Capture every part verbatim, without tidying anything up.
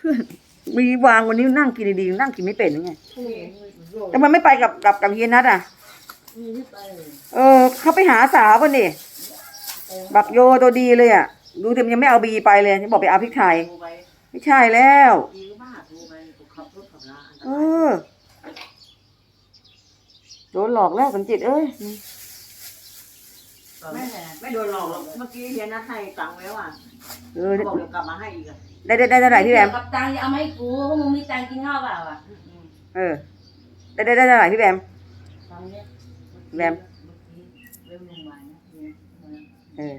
เพื่อนมีวางวันนี้นั่งกินดีๆนั่งกินไม่เป็นยังไงแต่มันไม่ไปกับกับกับเฮียนัทอ่ะเออเขาไปหาสาวกันนี่บักโยตัวดีเลยอ่ะดูแต่มันยังไม่เอาบีไปเลยฉันบอกไปเอาพริกไทยไม่ใช่แล้วเออโดนหลอกแล้วสมจิตเอ้ยไม่ไม่โดนหลอกหรอกเมื่อกี้เฮียนัทให้ตังค์แล้วอ่ะเออบอกเดี๋ยวกลับมาให้อีกอ่ะได้ได้ได้เท่าไหร่พี่แบมกับตังค์เอามาให้กูเพราะมึงมีตังค์กินข้าวเปล่าอ่ะเออได้ได้ได้เท่าไหร่พี่แบมแบมเออ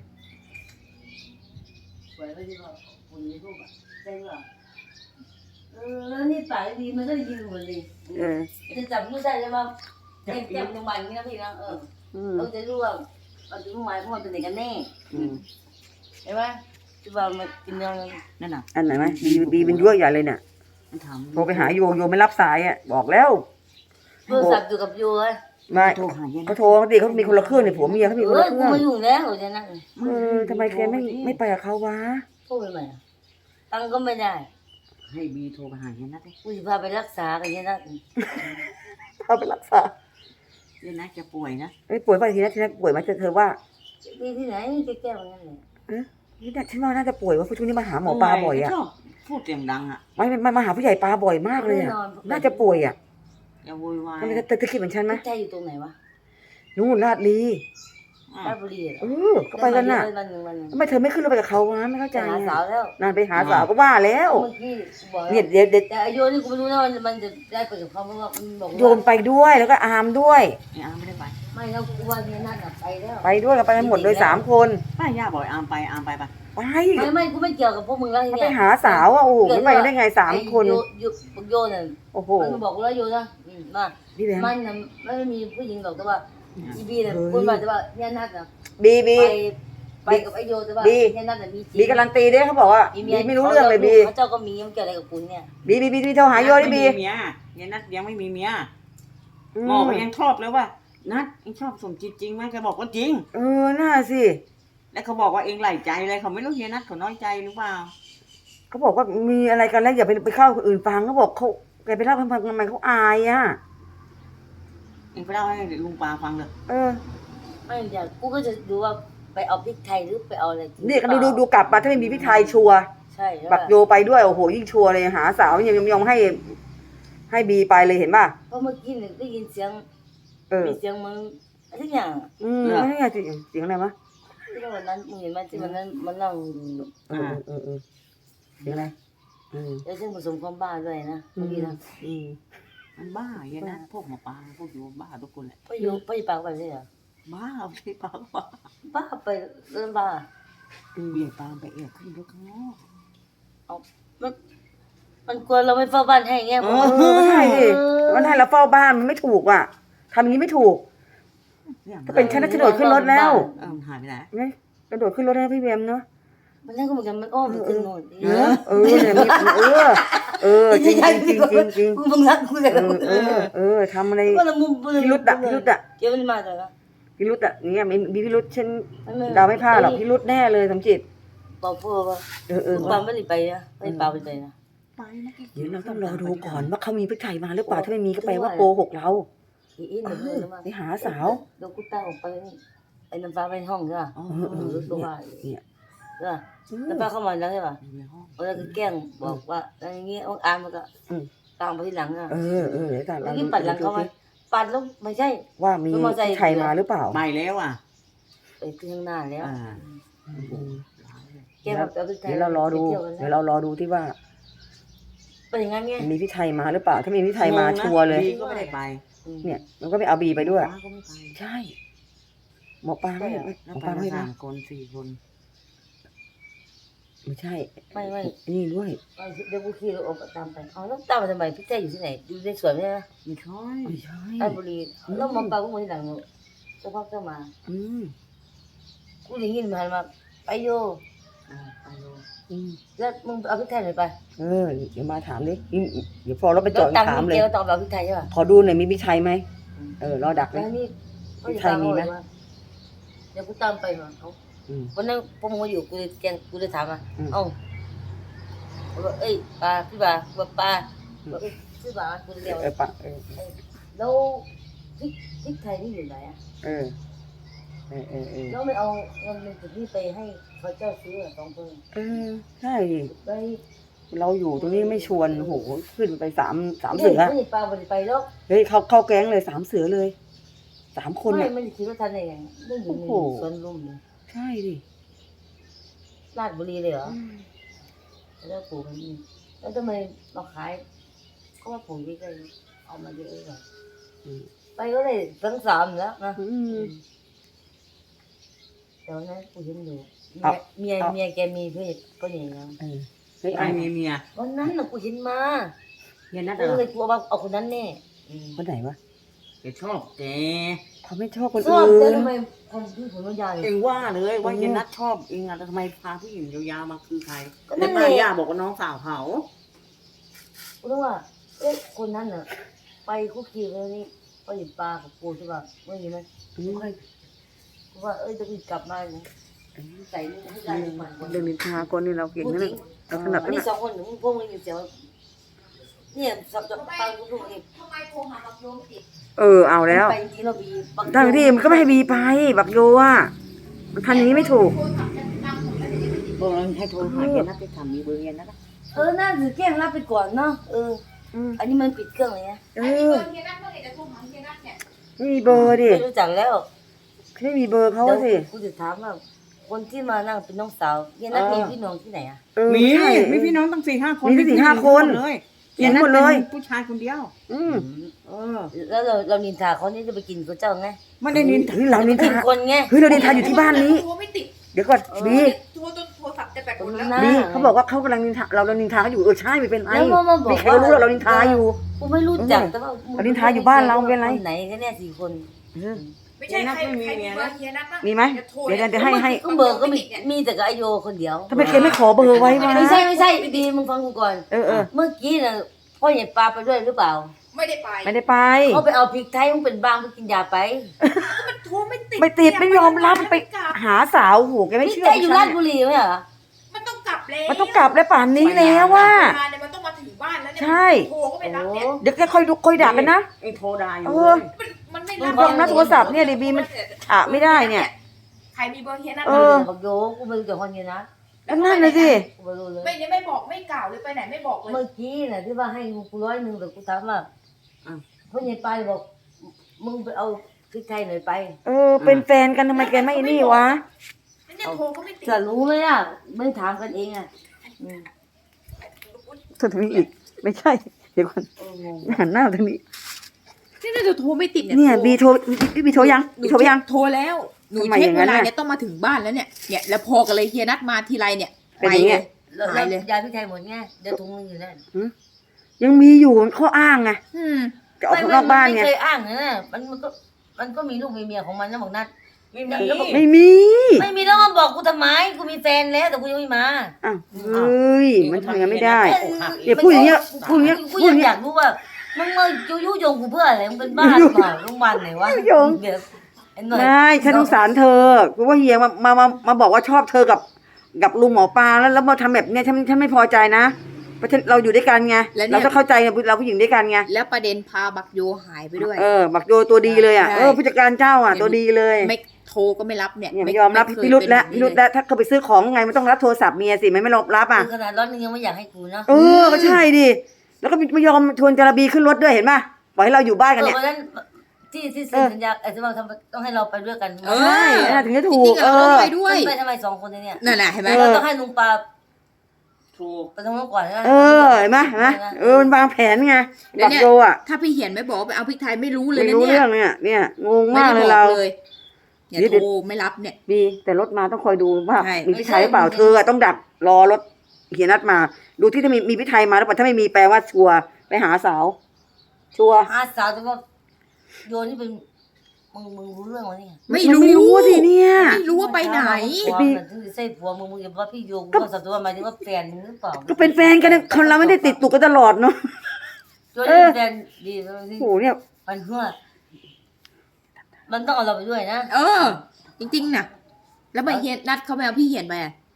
สวยก็ดีกว่าคนนี้รูปอ่ะได้หรอเออแล้วนี่ปากดีมันก็ได้ยินหมดเลยเออจะจับไม่ได้ใช่ไหมเจ็บเจ็บโรงพยาบาลนี่นะพี่นะเออเราจะรู้ว่าเราจะรู้ไหมพวกมันเป็นเด็กกันแน่ใช่ไหมที่ว่ามันกินยังนั่นน่ะอันไหนไหมบีบีเป็นยั่วใหญ่เลยเนี่ยโทรไปหาโยโยไม่รับสายอ่ะบอกแล้วโทรศัพท์อยู่กับโยเลยไม่เขาโทรเขาดิเขามีคนละเครื่องเนี่ยผัวเมียเขามีคนละเครื่องเออกูมาอยู่แล้วจะนั่งเออทำไมแกไม่ไม่ไปกับเขาวะโทรไปไหมตังก็ไม่ได้ให้บีโทรไปหาเฮียนัทเลยกูจะพาไปรักษากันเฮียนัทพาไปรักษาเฮียนัทจะป่วยนะไม่ป่วยป่ะทีนั้นทีนั้นป่วยไหมเธอเธอว่าดีที่ไหนจะแก้วันนั้นเลยเออนี่ฉันว่าน่าจะป่วยว่าช่วงนี้มาหาหมอปลาบ่อยอ่ะพูดเสียงดังอ่ะไม่ไม่มาหาผู้ใหญ่ปลาบ่อยมากเลยอ่ะน่าจะป่วยอ่ะอย่าโวยวายมันจะจะคิดเหมือนฉันไหมใจอยู่ตรงไหนวะนู่นลาดลีลาดบุรีเออก็ไปแล้วน่ะทำไมเธอไม่ขึ้นรถไปกับเขาวะไม่เข้าใจหาสาวแล้วนานไปหาสาวก็ว่าแล้วเนี่ยเดี๋ยวเดี๋ยวแต่โยนี่กูไม่รู้นะมันมันจะได้ไปกับเขาเพราะว่ามันบอกโยนไปด้วยแล้วก็อามด้วยอามไม่ได้ไปไม่แล้วกูว่าเนี่ยนั่นไปแล้วไปด้วยกันไปกันหมดเลยสามคนป้าย่าบอกอามไปอามไปปะไปไม่ไม่กูไม่เกี่ยวกับพวกมึงแล้วเนี่ยไปหาสาวอ่ะโอ้โหไม่ไปได้ไงสามคนโยโยโยน่ะโอ้โหมันบอกแล้วโยนะมามันน่ะไม่มีผู้หญิงหรอกแต่ว่าอีบีเนี่ยพูดมาแต่ว่าเนี่ยนัดน่ะบีบีไปกับไอโยแต่ว่าเนี่ยนัดน่ะมีบีการันตีด้วยเขาบอกว่าบีไม่รู้เรื่องเลยบีเขาเจ้าก็มีมันเกี่ยวอะไรกับคุณเนี่ยบีบีบีบีโทรหาโยดิบีเมียเฮียนัทยังไม่มีเมียหมอก็ยังชอบเลยว่านัทเองชอบสมจิตจริงไหมแกบอกว่าจริงเออน่าสิแล้วเขาบอกว่าเองไหลใจเลยเขาไม่รู้เฮียนัทเขาน้อยใจหรือเปล่าเขาบอกว่ามีอะไรกันแล้วอย่าไปไปเข้าคนอื่นฟังเขาบอกเขาแกไปเล่าให้ฟังทำไมเขาอายอ่ะเองไปเล่าให้ลุงปาฟังเลยเออไม่อยากกูก็จะดูว่าไปเอาพริกไทยหรือไปเอาอะไรนี่ก็ดูดูดูกลับมาถ้าไม่มีพริกไทยชัวใช่บักโยไปด้วยโอ้โหยิ่งชัวเลยหาสาวยังยอมให้ให้บีไปเลยเห็นป่ะเพราะเมื่อกี้เนี่ยได้ยินเสียงมีเสียงมึงทุกอย่างอืมไม่ใช่เสียงอะไรวะที่วันนั้นมึงเห็นไหมที่วันนั้นมันนั่งเออเออเออเสียงอะไรอืมแล้วซึ่งผสมความบ้าด้วยนะเมื่อกี้นะอืมมันบ้าเฮียนัทพวกหมอปลาพวกอยู่บ้าทุกคนแหละพ่อโยพ่อปากไปใช่เหรอบ้าพี่ปากบ้าบ้าไปเรื่องบ้าเบี่ยงตามไปเอี่ยขึ้นรถข้างนอกเอามันมันกลัวเราไม่เฝ้าบ้านให้เงี้ยเออไม่ใช่ดิมันให้เราเฝ้าบ้านมันไม่ถูกอ่ะทำอย่างนี้ไม่ถูกถ้าเป็นฉันน่าจะโดดขึ้นรถแล้วเออหายไปไหนไงกระโดดขึ้นรถให้พี่เบมเนาะมันนั่งก็เหมือนกันมันอ้อมไปขึ้นโน่นเออเออเนี่ยเออเออจริงจริงจริงจริงจริงมึงรักกูเลยเออเออทำอะไรพิรุษอะพิรุษอะเกี่ยวมันมาจากอะไรพิรุษอะเนี่ยมีมีพิรุษฉันเดาไม่พลาดหรอกพิรุษแน่เลยสมจิตบอกพ่อว่าเออเออปาไม่ได้ไปนะไม่ปาไปไหนนะเดี๋ยวเราต้องรอดูก่อนว่าเขามีพริกไทยมาหรือเปล่าถ้าไม่มีก็แปลว่าโกหกเราไปหาสาวเดี๋ยวกูตั้งออกไปไอ้น้ำฟ้าไปห้องใช่ป่ะอ๋อเออเนี่ยใช่ป่ะน้ำฟ้าเข้ามาแล้วใช่ป่ะแล้วก็แกล้งบอกว่าอะไรเงี้ยอ้องอามมันก็ตามไปที่หลังอ่ะเออเออเดี๋ยวตามเมื่อกี้ปัดหลังเขาไหมปัดแล้วไม่ใช่ว่ามีพริกไทยมาหรือเปล่าไม่แล้วอ่ะไปขึ้นข้างหน้าแล้วเดี๋ยวเรารอดูเดี๋ยวเรารอดูที่ว่าเป็นอย่างนั้นไงมีพริกไทยมาหรือเปล่าถ้ามีพริกไทยมาชัวร์เลยก็ไม่ได้ไปเนี่ยมันก็ไม่เอาบีไปด้วยใช่หมอปลาไม่หมอปลาไม่สามคนสี่คนไม่ใช่ไม่ไม่นี่ด้วยเดี๋ยวกูขี่รถออกตามไปเอาแล้วตามมาทำไมพี่แจ้อยู่ที่ไหนอยู่ในสวนใช่ไหมไม่ใช่ไม่ใช่ราชบุรีแล้วหมอปลาก็มาที่หลังสักพักก็มาอืมกูได้ยินมันมาไปโยไปโยแล้วมึงเอาพริกไทยหน่อยไปเออเดี๋ยวมาถามดิเดี๋ยวพอเราไปจอดถามเลยตองเอาพริกไทยใช่ป่ะขอดูหน่อยมีพริกไทยไหมเออรอดักเลยพริกไทยมีไหมเดี๋ยวกูตามไปมาเอาวันนั้นพวกมึงอยู่กูเลยแกงกูเลยถามอ่ะเอ้าบอกเอ้ยปลาพี่ปลาบอกปลาบอกเอ้ยพี่ปลาคนเดียวเออปะเออแล้วพริกพริกไทยนี่อยู่ไหนอ่ะเออเออเออเออแล้วไม่เอาเงินในจุดนี้ไปให้เขาเจ้าซื้อสองคนเออใช่ดิไปเราอยู่ตรงนี้ไม่ชวนโอ้โหขึ้นไปสามสามไม่เสือไม่ปลาไม่ได้ไปแล้วเฮ้ยเข้าเข้าแก๊งเลยสามเสือเลยสามคนไม่อ่ะไม่ได้คิดว่าทันได้ไงไม่อยู่ในโอ้โหสวนลุมเลยใช่ดิราชบุรีเลยเหรอแล้วปลูกมันนี่แล้วทำไมมาขายก็ว่าปลูกที่ใกล้เอามาเยอะเลยอืมไปก็ได้ทั้งสามแล้วนะอืมแต่วันนั้นกูเห็นอยู่เอาเมียเอาเมียแกมีเพศก็อย่างนั้นเออเฮ้ยไอ้ไอ้มีเมียวันนั้นน่ะกูเห็นมาเฮียนัทกูเหรอเลยกลัวว่าเอาคนนั้นแน่อืมคนไหนวะแกชอบแกเขาไม่ชอบคนชอบอื่แต่นทำไมคนที่ผมวิญญาณเองว่าเลยว่าเฮียนัทชอบเองอะแล้วทำไมพาผู้หญิงยาวๆมาคือใครก็นั่แล้วนแหละป้าย่าบอกว่าน้องสาวเขากูรู้ว่าเอ๊ะคนนั้นน่ะ ไปคุกคีเลยนี่ไปหยิบปลากับกูใช่ป่ะไม่มีไหมอืมกูว่าเอ้ยจะกูกลับมาเนี่ยใส่นี่ให้ได้หนึ่งพันคนเรื่องนินทาคนนี่เราเก่งพูดนะจริเนี่ยงเราถนัดอันนะนี้เนี่ยสองคนหนูพวกมึงอยู่เสียวเนี่ยสับจะฟังกูดูนี่ทำไมโทรหาบักโยมติดเออเอาแล้วไปจริงๆเราบีบางทางที่มันก็ไม่ให้บีไปบักโยอ่ะมันทำอย่างนี้ไม่ถูกโทรศัพท์จะดังหมดแล้วเดี๋ยวจะไม่ติดบอกเราให้โทรหาเฮียนัทไปถามมีเบอร์เฮียนัทอะเออน่าถือแกล้งรับไปก่อนเนาะเอออืมอันนี้มันปิดเครื่องเลยนะเอไอ้เบออร์เฮียนัทเมื่อไหร่จะโทรหาเฮียนัทเนี่ยไม่มีเบอร์ดิไม่รู้จักแล้วไม่มีเบอร์เขาเดี๋ยวสิกูจะถามว่าคนที่มานั่งเป็นน้องสาวเฮียนัทมีพี่น้องที่ไหนอ่ะเออมีใช่มีพี่น้องตั้งสี่ห้าคนมีตั้งสี่ห้าคนเลยเห็นหมดเลยผู้ชายคนเดียวอืมเออแล้วเราเรานินทาเขานี่จะไปกินกับเจ้าไงไม่ได้นินเฮ้ยเรานินกิทานคนไงเฮ้ยเรานินทาอยู่ที่บ้านนี้โทรไม่ติดเดี๋ยวก่อนบีโทรจนโทรศัพท์จะแบตคหมนดแล้วหน้าบีเขาบอกว่าเขากำลังนินทาเราเรานินทาเขาอยู่เออใช่ไม่เป็นไรแล้วมามาบอกบีใครก็รู้ว่าเรานินทาอยู่กูไม่รู้จักแต่ว่าเรานินทาอยู่บ้านเราเป็นไรคนไหนกันเนี่ยสี่คนเออไม่ใช่ใครใครมีเบอร์เฮียนัทบ้างมีไหมจะโทรเดี๋ยวเดี๋ยวให้ให้ก็เบอร์ก็มีมีแต่กับไอโยคนเดียวทำไมแกไม่ขอเบอร์ไว้วะไม่ใช่ไม่ใช่บีมึงฟังกูก่อนเออเออเมื่อกี้น่ะพ่อใหญ่ปลาไปด้วยหรือเปล่าไม่ได้ไปไม่ได้ไปเขาไปเอาพริกไทยมึงเป็นบ้างไปกินยาไปมันโทรไม่ติดไม่ติดไม่ยอมรับไปกลับหาสาวโหแกพไม่ริกเชื่อไทยอยู่ราชบุรีไหมเหรอมันต้องกลับแล้วมันต้องกลับแล้วป่านนี้แล้วว่าเวลาเนี่ยมันต้องมาถึงบ้านแล้วเนี่ยใช่โทรก็ไม่รับเนี่ยเดี๋ยวแกค่อยดูค่อยด่ากันนะไอ้โทรด่าอยู่เอเลอยมันมันไม่มึรังบลองนะโทรศัพท์เนี่ยดิบีมัน ฉะไม่ได้เนี่ยใครมีเบอร์เฮียนัทเอเอออบอกโยกูไม่รู้จักคนนี้นะก็นั่นเลยสิกูไม่รู้เลยไม่เนี่ยไม่บอกไม่กล่าวเลยไปไหนไม่บอกเลยเมื่อกี้น่ะที่ว่าให้กูร้อยหนึ่งแต่กูถามว่าพ่อใหญ่ปลาบอกมึงไปเอาพริกไทยหน่อยไปเออ เป็นแฟนกันทำไมแกไม่นี่วะเนี่ยโทรก็ไม่ติดจะรู้ไหมอ่ะไม่ถามกันเองอ่ะอืมส่วนทางนี้อีก ไม่ใช่ เดี๋ยวก่อนเอองงหันหน้าทางนี้นี่น่าจะโทรไม่ติดเนี่ยบีโทรบีบีโทรยังบีโทรไปยังโทรแล้ว หนูทำไมเช็อคย่างนั้เวน ลาน่ะเนี่ยต้องมาถึงบ้านแล้วเนี่ย เนี่ยแล้วพอกันเลยเฮียนัดมาทีไรเนี่ยเป็นอย่างเงี้ยแล้วหายเลยยาพริกไทยหมดไงเดี๋ยวถุงนึงอยู่นั่นยังมีอยู่มันข้ออ้างไงอืมจะออกข้างนอกบ้านไงไม่เคยอ้างนะมันมันก็มันก็มีลูกมีเมียของมันนะบอกนัดไม่มีแล้วก็ไม่มีไม่มีแล้วมาบอกกูทำไมกูมีแฟนแล้วแต่กูยังไม่มาอ้าวเฮ้ยมันทำอย่างนั้นไม่ได้เเดี๋ยวพูดอย่างเงี้ยพูดอย่างเงี้ยกูพูดยัอง ย่างอเงี้ยยากรู้ว่ามึงมายุยุยงกูเพื่ออะไรมึงเป็นบ้าหรือเปล่าโรงพยาบาลไหนวะยุยงเดี๋ยวไอ้หน่อยไม่ฉันสงสารเธอกูว่าเฮียมามามามาบอกว่าชอบเธอกับกับลุงหมอปลาแล้วแล้วมาทำแบบเนี้ยฉันฉันไม่พอใจนะเพราะฉันเราอยู่ด้วยกันไงเราต้องเข้าใจไงเราผู้หญิงด้วยกันไงแล้วประเด็นพาบักโยหายไปด้วยเออบักโยตัวดีเลยอ่ะใช่เออผู้จัดการเจ้าอ่ะตัวดีเลยไม่โทรก็ไม่รับเนี่ยเนี่ยไม่ยอมรับเคพิรุษเป็นแล้วบบพินี้รุษแล้วถ้าเขาไปซื้อของไงมันต้องรับโทรศัพท์เมียสิไม่ไม่รับรับอ่ะมึงขนาดร้อนนึงยังไม่อยากให้กูเนาะเออก็ใช่ดิแล้วก็ไม่ยอมชวนจาระบีขึ้นรถด้วยเห็นป่ะปล่อยให้เราอยู่บ้านเอกันอเนี่ยวันนั้นที่ที่เซ็นสัญญาไอ้ที่ว่าทำต้องให้เราไปด้วยกันเออใช่น่าถึงจะถูจริกงๆเออะเราอไปด้วยไปทำไมสองคนเนี่ยนั่นแหละเห็นไหมเอเราอต้องให้ลุงปลาถูกไปตรงนู้นก่อนนะเออเห็นไหมเห็นไหมเออมันวางแผนไงบักโยอ่ะถ้าพี่เหียนไม่บอกว่าไปเอาพริกไทยไม่รู้เลยไม่นะรู้เนี่ยเรื่องเนี่ยเนี่ยงงไม่มากได้เลยบอเรากเลยเนี่ยเดี๋ยวโทรไม่รับเนี่ยบีแต่รถมาต้องคอยดูว่าใช่มีพิไทยหรือเปล่าเธออะต้องดักรอรถเฮียนัดมา ดูที่ถ้ามีมีพิไทยมาแล้วเปล่าถ้าไม่มีแปลว่าชัวร์ไปหาสาว ชัวร์หาสาวแต่ว่าโยนนี่เป็นมึงมึงรู้เรื่องวะเนี่ยไม่นรู้ไม่รู้สิเนี่ยไม่รู้ว่าไปไหนผัวมันถึงจะใช่ผัวมึงมึงอย่าว่าพี่โยกูก็สัตว์ตัวหมายถึงว่าแฟนมึงหรือเปล่าก็เป็นแฟนกันนะคนเราไม่ได้ติดตุกกันตลอดเนาะโยนนี่เป็นแฟนดีแล้วสิโอ้โหเนี่ยมันเพื่อมันต้องเอาเราไปด้วยนะเออ จริงๆนะแล้วไปเฮียนนัดเขาไปเอาพี่เหียนไปอะเ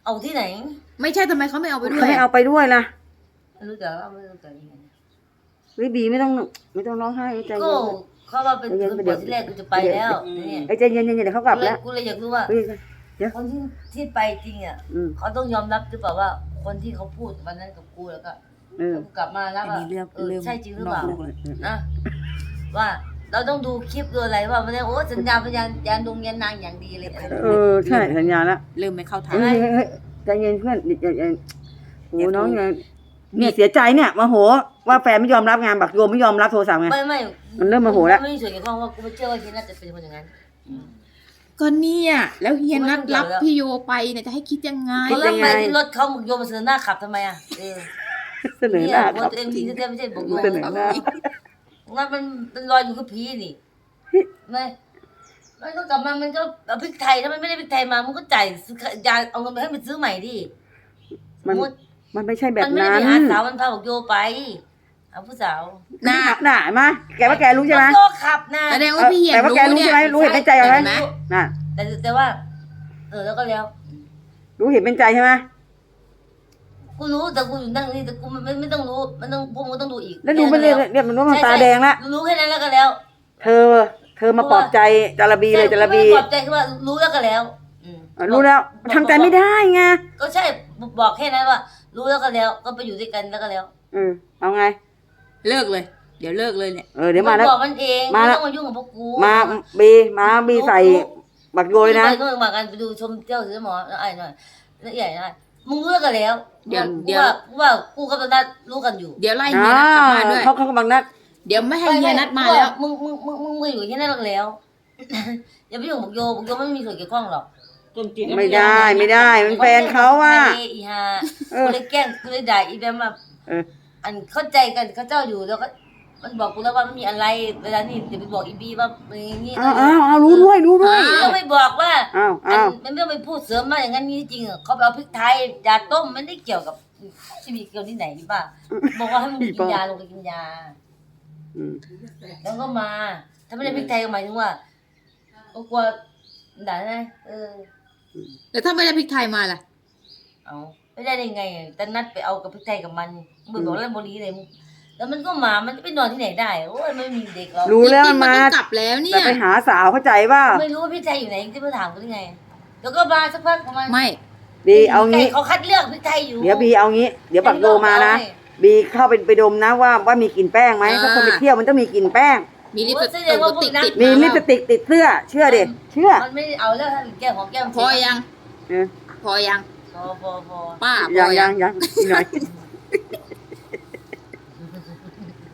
เอาที่ไหนไม่ใช่ทำไมเขาไม่เอาไปด้วเขายไม่เอาไปด้วยล่ะไม่รู้จักว่าไม่รู้จักยังไงเฮ้ยบีไม่ต้องไม่ต้องร้องไห้ใจก็เย็นเขาว่าเป็นคนบอกที่แรกกูจะไปแล้วเนี่ยไอ้ยใจเย็นๆเดี๋ยวเขากลับแล้วกูเลยอยากรู้ว่าเฮ้ยคนที่ที่ไปจริงอ่ะอืมเขาต้องยอมรับหรือเปล่าว่า คนที่เขาพูดวันนั้นกับกูแล้วก็เออแล้วกูกลับมาแล้วอันว่านี้เรื่องเออเรื่องใช่จริงหรือเปล่านอกโลกเลยนะว่าเราต้องดูคลิปดูอะไรว่ามันเนี่ยโอ้สัญญาพยานยานดงยันนางอย่างดีเลยเออใช่สัญญาแล้วเริ่มไม่เข้าทางเฮ้ยเฮ้ยเฮ้ยใจเย็นเพื่อนใจเย็นโอ้น้องเนี่ยเนี่ยเสียใจเนี่ยโมโหว่าแฟนไม่ยอมรับงานบักโยมไม่ยอมรับโทรศัพท์ไงไม่ไม่มันเริ่มโมโหแล้วไม่มีส่วนเกี่ยวข้องว่ากูไม่เชื่อว่าเฮียน่าจะเป็นคนอย่างนั้นก็เนี่ยแล้วเฮียนัดรับไม่รู้พี่โยไปเนี่ยจะให้คิดยังไงเขาเริ่มไปที่รถเขาบอกโยมมาเสนอหน้าขับทำไมอ่ะเออเสนอหเนี่ยน้าบอกครับตัวเองดีแท้ๆไม่ใช่บอกโยมเสนอหน้างั้นมันมันลอยอยู่กับผีนี่ไม่มันก็กลับมามันก็เอาพริกไทยถ้ามันไม่ได้พริกไทยมามันก็จ่ายซื้อยาเอาเงินไปให้มันซื้อใหม่ดิสมันมมติมันไม่ใช่แบมับนไม่ได้นั้นไปหาสาวมันพาบอกโยไปเอาผู้สาวหน้าหน้ามาแกว่าแกรู้ใช่ไหมโยขับนะแสดงว่าพี่เฮียแต่ว่าแกรู้ใช่ไหมรู้เห็นเป็นใจเอาไหมเห็นไหมน่ะแต่แต่ว่า เออแล้วก็แล้วรู้เห็นเป็นใจใช่ไหมกูรู้แต่กูอยู่นั่งนี่แต่กูไม่ไม่ไม่ต้องรู้มันต้องพวกมึงต้องดูอีกแล้วดูมันเรียกเรียกมันว่ามันตาแดงแล้วรู้แค่นั้นแล้วก็แล้วเธอ เธอมาปลอบใจจาระบีเลยจาระบีไม่ปลอบใจคือว่ารู้แล้วก็แล้วอืมอ่ะรู้แล้วทำใจไม่ได้ไงก็ใช่บอกแค่นั้นว่า รู้แล้วก็แล้ว ก็ไปอยู่ด้วยกันแล้วก็แล้วอืมเอาไงเลิกเลย เดี๋ยวเลิกเลยเนี่ยเออเดี๋ยวมาแล้วบอกมันเองมาไม่แล้วต้องมายุ่งกับพวกกูมาบีมาบีใส่บักโยยนะไปนู่นมากันไปดูชมเที่ยวซื้อหมอแล้วไอ้หน่อยแล้วใหญ่หน่อยมึงรู้แล้วก็แล้วเดี๋ยวกูเดี๋ยวว่ากูว่ากูกับตานัดรู้กันอยู่เดี๋ยวไล่อ่เฮียนัดกลับบ้านด้วยาเขาเขากำลังนัดเดี๋ยวไม่ให้เฮียนัดมาแล้วมึงมึงมึงมึงมึงอยู่แค่นั้นแล้วก็แล้ว อย่าไปยุ่งกับโยบอกโยไม่มีส่วนเกี่ยวข้องหรอกต้นจิตไม่ได้ไม่ได้มันแฟนเขาว่าไอีฮาเออกูเลยแกล้งกูเลยด่าอีแบมว่าเอออันเข้าใจกันเขาเจ้าอยู่แล้วก็มันบอกกูแล้วว่าไม่มีอะไรเวลานี่เดี๋ยวไปบอกอีบีว่าเป็นอย่างนี้อ้าวอ้าวอ้าวรู้ด้วยรู้ด้วยอ้าวก็ไม่บอกว่าอ้าวอันอ้าวมันไม่ต้องไปพูดเสริมมาอย่างนั้นนี่จริงๆอะเขาไปเอาพริกไทยยาต้มมันไม่ได้เกี่ยวกับที่มีเกี่ยวที่ไหนนี่ป่ะบอกว่าให้มึงกินยาลงไปกินยาอืมแล้วก็มา ถ้าไม่ได้พริกไทยก็หมายถึงว่าก็กลัวด่าไงเออแล้วถ้าไม่ได้พริกไทยมาล่ะเอาไม่ได้ได้ไงแต่นัดไปเอากับพริกไทยกับมันมึงบอกเล่นบรีเลยมึงแล้วมันก็มามันจะไปนอนที่ไหนได้โอ้ยไม่มีเด็กหรอกรู้แล้วจริงๆมาต้องกลับแล้วเนี่แต่ยไปหาสาวเข้าใจว่าไม่รู้ว่าพริกไทยอยู่ไหนที่มาถามกูได้ไงแล้วก็มาสักพักประมาณไม่บีเอางี้เขาคัดเลือกพริกไทยอยู่เดี๋ยวบีเอางี้เดี๋ยวบักโยมานะบีเข้าไปไปดมนะว่าว่ามีกลิ่นแป้งไหมอ่าเพราะคนไปเที่ยวมันต้องมีกลิ่นแป้งมีลิปสติกติดติดมีลิปสติกติดเสื้อ เชื่อดิเชื่อมันไม่เอาแล้วถ้าแก้มของแก้มพอยังเออพอยังพอพอพอป้าพยัองยัยัง งยังอีกหน่อย